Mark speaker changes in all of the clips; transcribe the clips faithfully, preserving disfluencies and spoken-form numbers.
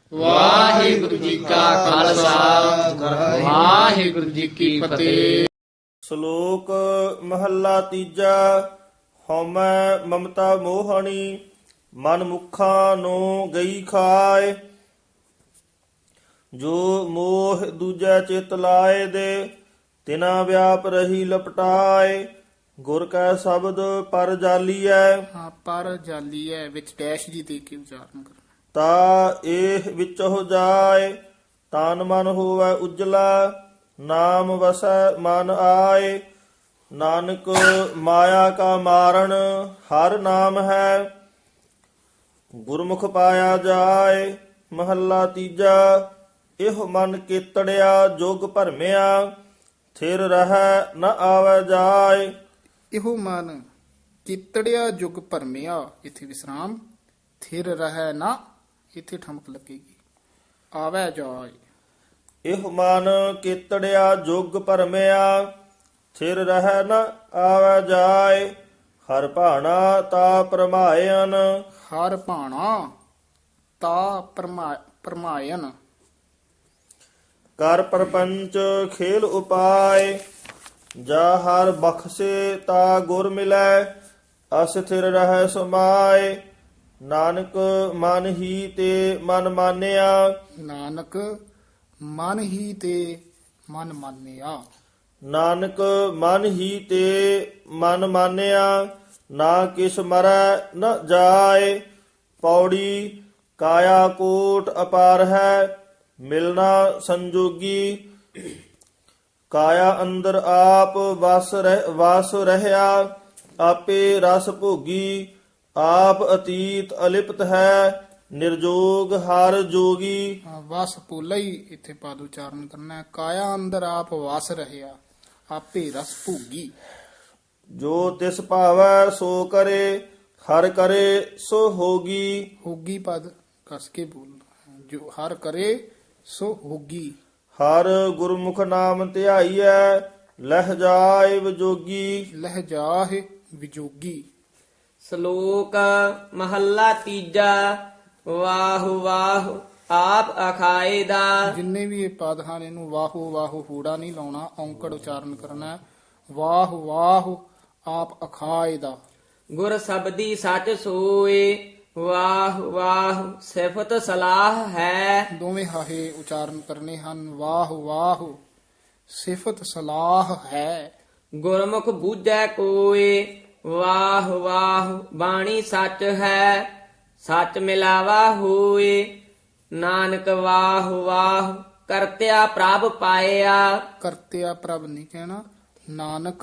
Speaker 1: ਵਾਹਿਗੁਰੂ ਜੀ ਕਾ ਖਾਲਸਾ ਵਾਹਿਗੁਰੂ ਜੀ ਕੀ ਫਤਿਹ।
Speaker 2: ਸ਼ਲੋਕ ਮਹੱਲਾ ਤੀਜਾ। ਹਉਮੈ ਮਮਤਾ ਮੋਹਣੀ ਮਨ ਮੁਖਾਂ ਨੂੰ ਗਈ ਖਾਏ। ਜੋ ਮੋਹ ਦੂਜੈ ਚਿਤ ਲਾਏ ਦੇ ਤਿਨਾ ਵਿਆਪ ਰਹੀ ਲਪਟਾਏ। ਗੁਰ ਕੈ ਸ਼ਬਦ ਪਰ ਜਾਲੀਐ
Speaker 1: ਹਾਂ, ਪਰ ਜਾਲੀ ਹੈ ਵਿੱਚ ਡੈਸ਼ ਜੀ ਦੇ ਕੇ ਉਚਾਰਨ ਕਰਨਾ।
Speaker 2: ਤਾ ਇਹ ਵਿੱਚ ਹੋ ਜਾਏ। ਤਨ ਮਨ ਹੋਵੈ ਉਜਲਾ ਨਾਮ ਵਸੈ ਮਨ ਆਏ। ਨਾਨਕ ਮਾਇਆ ਕਾ ਮਾਰਨ ਹਰ ਨਾਮ ਹੈ। ਗੁਰਮੁਖ ਪਾਇਆ ਜਾਏ। ਮਹੱਲਾ ਤੀਜਾ। ਇਹ ਮਨ ਕੀਤੜਿਆ ਜੋਗ ਭਰਮਿਆ ਥਿਰ ਰਹਿ ਨ ਆਵੈ ਜਾਏ।
Speaker 1: ਇਹੋ ਮਨ ਕੀਤੜਿਆ ਜੁਗ ਭਰਮਿਆ, ਇਥੇ ਵਿਸਰਾਮ, ਥਿਰ ਰਹਿ ਨਾ, ਇਥੇ ਠਮਕ ਲੱਗੇਗੀ, ਆਵੈ ਜਾਏ।
Speaker 2: ਇਹ ਮਨ ਕੀਤੜਿਆ ਜੋਗ ਭਰਮਿਆ ਥਿਰ ਰਹਿ ਨ ਆਵੈ ਜਾਏ। ਹਰ ਭਾਣਾ ਤਾ ਪਰਮਾਇਨ
Speaker 1: ਹਰ ਭਾਣਾ ਤਾ ਪਰਮਾ ਪਰਮਾਇਨ।
Speaker 2: ਕਰ ਪਰਪੰਚ ਖੇਲ ਉਪਾਏ। ਜਾ ਹਰ ਬਖਸ਼ੇ ਤਾ ਗੁਰ ਮਿਲੈ ਅਸਥਿਰ ਰਹਿ ਸਮਾਏ। ਨਾਨਕ ਮਨ ਹੀ ਤੇ ਮਨ ਮਾਨਿਆ
Speaker 1: ਨਾਨਕ ਮਨ ਹੀ ਤੇ ਮਨ ਮਾਨਿਆ।
Speaker 2: ਨਾਨਕ ਮਨ ਹੀ ਤੇ ਮਨ ਮਾਨਿਆ ਨਾ ਕਿਸ ਮਰੈ ਨ ਜਾਏ। ਪੌੜੀ ਕਾਇਆ ਕੋਟ ਅਪਾਰ ਹੈ ਮਿਲਣਾ ਸੰਜੋਗੀ। ਕਾਇਆ ਅੰਦਰ ਆਪ ਵਸ ਰਹਿ ਵਸ ਰਹਿਆ ਆਪੇ ਰਸ ਭੋਗੀ। ਆਪ ਅਤੀਤ ਅਲਿਪਤ ਹੈ ਨਿਰਜੋਗ ਹਰ ਜੋਗੀ।
Speaker 1: ਹਾਂ, ਵਸ ਪੋਲਾ ਹੀ ਇੱਥੇ ਪਦ ਉਚਾਰਨ ਕਰਨਾ ਹੈ। ਕਾਇਆ ਅੰਦਰ ਆਪ ਵਸ ਰਹਿਆ ਆਪੇ ਰਸ ਭੋਗੀ।
Speaker 2: ਜੋ ਤਿਸ ਭਾਵੈ ਸੋ ਕਰੇ ਹਰ ਕਰੇ ਸੋ ਹੋਗੀ।
Speaker 1: ਹੋਗੀ ਪਦ ਕਸ ਕੇ ਬੋਲਣਾ। ਜੋ ਹਰ ਕਰੇ ਸੋ ਹੋਗੀ।
Speaker 2: ਹਰ ਗੁਰਮੁਖ ਨਾਮ ਧਿਆਈਐ ਲਹਿ ਜਾਏ ਵਿਜੋਗੀ।
Speaker 1: ਲਹਿ ਜਾਹਿ ਵਿਜੋਗੀ।
Speaker 3: ਸ਼ਲੋਕ ਮਹੱਲਾ ਤੀਜਾ। ਵਾਹ ਵਾਹ ਆਪ ਅਖਾਏ ਦਾ।
Speaker 1: ਜਿੰਨੇ ਵੀ ਇਹ ਪਦ ਹਨ ਇਹਨੂੰ ਵਾਹੋ ਵਾਹੋ ਹੂੜਾ ਨਹੀਂ ਲਾਉਣਾ, ਔਂਕੜ ਉਚਾਰਨ ਕਰਨਾ ਹੈ। ਵਾਹ ਵਾਹ ਆਪ ਅਖਾਏ ਦਾ।
Speaker 3: ਗੁਰ ਸਬਦੀ ਸੱਚ ਸੋਏ। ਵਾਹ ਵਾਹ ਸਿਫਤ ਸਲਾਹ ਹੈ।
Speaker 1: ਦੋਵੇਂ ਹਾਹੇ ਉਚਾਰਨ ਕਰਨੇ ਹਨ। ਵਾਹ ਵਾਹ ਸਿਫਤ ਸਲਾਹ ਹੈ।
Speaker 3: ਗੁਰਮੁਖ ਬੂਝੈ ਕੋਏ। ਵਾਹ ਵਾਹ ਬਾਣੀ ਸੱਚ ਹੈ। ਸੱਚ ਮਿਲਾਵਾ ਹੋਏ। ਨਾਨਕ ਵਾਹ ਵਾਹ ਕਰਤਿਆ ਪ੍ਰਭ ਪਾਇਆ।
Speaker 1: ਕਰਤਿਆ ਪ੍ਰਭ ਨਹੀਂ ਕਹਿਣਾ। ਨਾਨਕ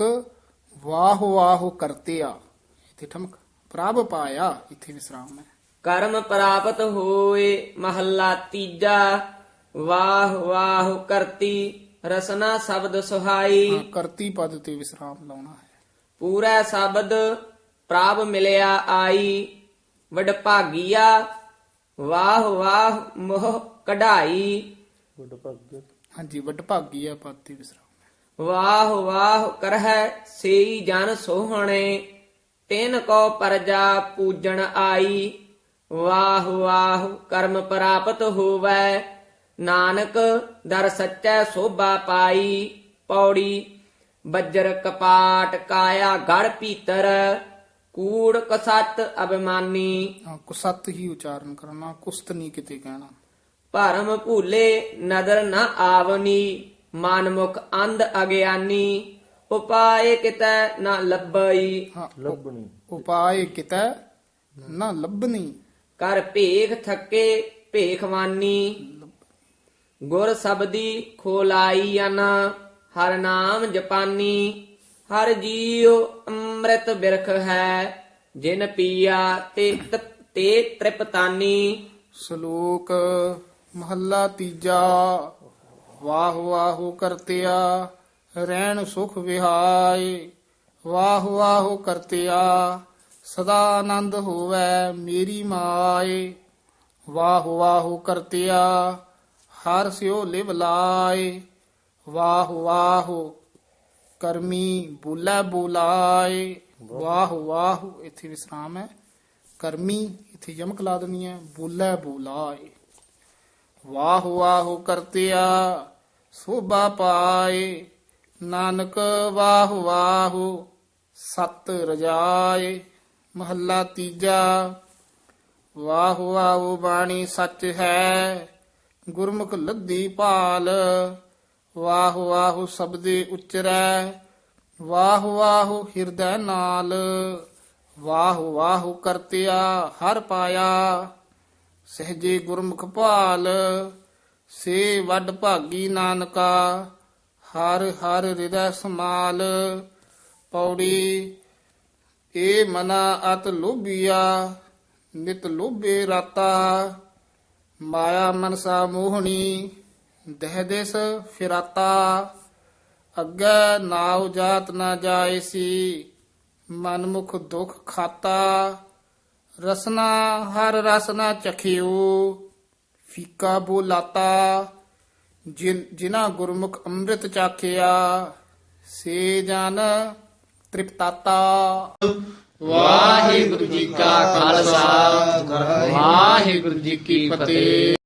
Speaker 1: ਵਾਹ ਵਾਹ ਕਰਤਿਆ, ਇੱਥੇ ਠਮਕ, ਪ੍ਰਭ ਪਾਇਆ, ਇੱਥੇ ਵਿਸਰਾਮ ਹੈ।
Speaker 3: ਕਰਮ ਪ੍ਰਾਪਤ ਹੋਏ। ਮਹੱਲਾ ਤੀਜਾ। ਵਾਹ ਵਾਹ ਕਰਤੀ ਰਸਨਾ ਸ਼ਬਦ ਸੁਹਾਈ।
Speaker 1: ਹਾਂ, ਕਰਤੀ ਪਦ ਤੇ ਵਿਸਰਾਮ ਲਾਉਣਾ ਹੈ।
Speaker 3: ਪੂਰਾ ਸ਼ਬਦ ਪ੍ਰਭ ਮਿਲਿਆ ਆਈ। ਵਡਭਾਗੀਆ ਵਾਹ ਵਾਹ ਮੋਹ ਕਢਾਈ।
Speaker 1: ਹਾਂਜੀ, ਵਡਭਾਗੀ ਹੈ ਪਦ ਤੇ ਵਿਸਰਾਮ।
Speaker 3: ਵਾਹ ਵਾਹ ਕਰਹਿ ਸੇਈ ਜਨ ਸੋਹਣੇ। ਤਿਨ ਕੋ ਪਰਜਾ ਪੂਜਣ ਆਈ। ਵਾਹ ਵਾਹ ਕਰਮ ਪ੍ਰਾਪਤ ਹੋਵੈ। ਨਾਨਕ ਦਰ ਸੱਚੈ ਸੋਭਾ ਪਾਈ। ਪੌੜੀ ਬੱਜਰ ਕਪਾਟ ਕਾਇਆ ਗੜ ਭੀਤਰ। ਕੂੜ ਕਸਤ ਅਭਿਮਾਨੀ।
Speaker 1: ਹਾਂ, ਕੁਸਤ ਹੀ ਉਚਾਰਨ ਕਰਨਾ, ਕੁਸਤ ਨਹੀਂ ਕਿਤੇ ਕਹਿਣਾ।
Speaker 3: ਭਰਮ ਭੂਲੇ ਨਦਰ ਨ ਆਵਨੀ। ਮਨਮੁਖ ਅੰਧ ਅਗਿਆਨੀ। ਉਪਾਏ ਕਿਤੈ ਨ ਲੱਭਈ।
Speaker 1: ਹਾਂ,
Speaker 2: ਲੱਭਣੀ
Speaker 1: ਉਪਾਏ ਕਿਤੈ ਨਾ ਲੱਭਣੀ।
Speaker 3: ਕਰ ਭੇਖ ਥੱਕੇ ਭੇਖਵਾਨੀ। ਗੁਰ ਸਬਦੀ ਖੋਲਾਈ ਅਨ ਹਰ ਨਾਮ ਜਪਾਨੀ। ਹਰ ਜੀਉ ਅੰਮ੍ਰਿਤ ਬਿਰਖ ਹੈ ਜਿਨ ਪੀਆ ਤੇ ਤੇ ਤ੍ਰਿਪਤਾਨੀ।
Speaker 1: ਸ਼ਲੋਕ ਮਹੱਲਾ ਤੀਜਾ। ਵਾਹ ਵਾਹ ਕਰਤਿਆ ਰਹਿਣ ਸੁਖ ਵਿਹਾਏ। ਵਾਹ ਵਾਹ ਕਰਤਿਆ ਸਦਾ ਆਨੰਦ ਹੋਵੈ ਮੇਰੀ ਮਾਏ। ਵਾਹ ਵਾਹ ਕਰਤਿਆ ਹਰ ਸਿਓ ਲਿਵ ਲਾਏ। ਵਾਹ ਵਾਹ ਕਰਮੀ ਬੋਲੇ ਬੋਲਾਏ। ਵਾਹ ਵਾਹ ਇੱਥੇ ਵਿਸਰਾਮ ਹੈ। ਕਰਮੀ ਇੱਥੇ ਯਮਕ ਲਾ ਦੇਣੀ ਹੈ। ਬੋਲੇ ਬੋਲਾਏ। ਵਾਹ ਵਾਹ ਕਰਤਿਆ ਸੋਭਾ ਪਾਏ। ਨਾਨਕ ਵਾਹ ਵਾਹ ਸਤ ਰਜਾਏ। ਮਹੱਲਾ ਤੀਜਾ। ਵਾਹ ਵਾਹ ਬਾਣੀ ਸੱਚ ਹੈ, ਗੁਰਮੁਖ ਲੱਦੀ ਭਾਲ। ਵਾਹ ਵਾਹ ਸਬਦੇ ਉਚਰੈ, ਵਾਹ ਵਾਹ ਹਿਰਦੈ ਨਾਲ। ਵਾਹ ਵਾਹ ਕਰਤਿਆ ਹਰ ਪਾਇਆ, ਸਹਜੇ ਗੁਰਮੁਖ ਭਾਲ। ਸੇ ਵੱਡ ਭਾਗੀ ਨਾਨਕਾ, ਹਰ ਹਰ ਹਿਰਦੈ ਸਮਾਲ। ਪੌੜੀ ਏ ਮਨਾ ਅਤ ਲੋਭੀਆ, ਨਿਤ ਲੋਭੇ ਰਾਤਾ। ਮਾਇਆ ਮਨਸਾ ਮੋਹਣੀ, ਦਹਿ ਦਿਸ ਫਿਰਾਤਾ। ਅੱਗੇ ਨਾਉ ਜਾਤ ਨਾ ਜਾਏ ਸੀ, ਮਨਮੁਖ ਦੁਖ ਖਾਤਾ। ਰਸਨਾ ਹਰ ਰਸ ਨਾ ਚਖਿਓ, ਫੀਕਾ ਬੋਲਾਤਾ। ਜਿਨ ਜਿਨਾ ਗੁਰਮੁਖ ਅੰਮ੍ਰਿਤ ਚਾਖਿਆ, ਸੇ ਜਨ ਤ੍ਰਿਪਤਾਤਾ। ਵਾਹਿਗੁਰੂ ਜੀ ਕਾ ਖਾਲਸਾ, ਵਾਹਿਗੁਰੂ ਜੀ ਕੀ ਫਤਿਹ।